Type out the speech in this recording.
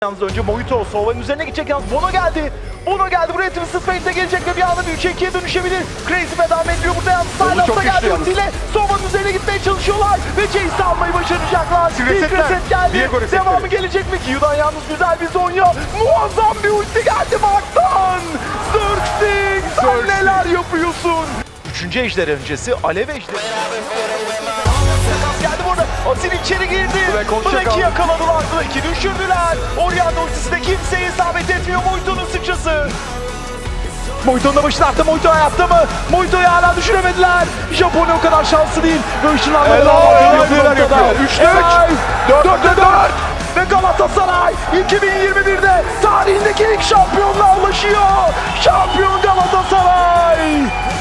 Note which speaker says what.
Speaker 1: Yalnız önce Mojito Sova'nın üzerine gidecek, yalnız Bono geldi. Bono geldi buraya, Twisted Fate'e gelecek ve bir anda 3'e 2'ye dönüşebilir. Crazy devam ediyor burada, yalnız Silas'ta geldi ultiyle. Sova'nın üzerine gitmeye çalışıyorlar ve Jace'i almayı başaracaklar. İlk reset geldi. Devamı gelecek mi? Q'dan yalnız güzel bir Zonya. Muazzam bir ulti geldi Mark'tan. Xerxes, sen neler yapıyorsun? 3. ejder öncesi Alev ejderi. Geldi burada. Asil içeri girdi. Black'i yakaladılar. Black'i düşürdüler. Orianna ultisi de kimseye isabet etmiyor. Mojito'nun sıçrası. Mojito'nun da başını attı. Mojito hayatta mı? Mojito'yu hala düşüremediler. Japonya o kadar şanslı değil. Ve ışınlanmalar var. 3'te 3. 4'te 4. Ve Galatasaray 2021'de tarihindeki ilk şampiyonla ulaşıyor. Şampiyon Galatasaray.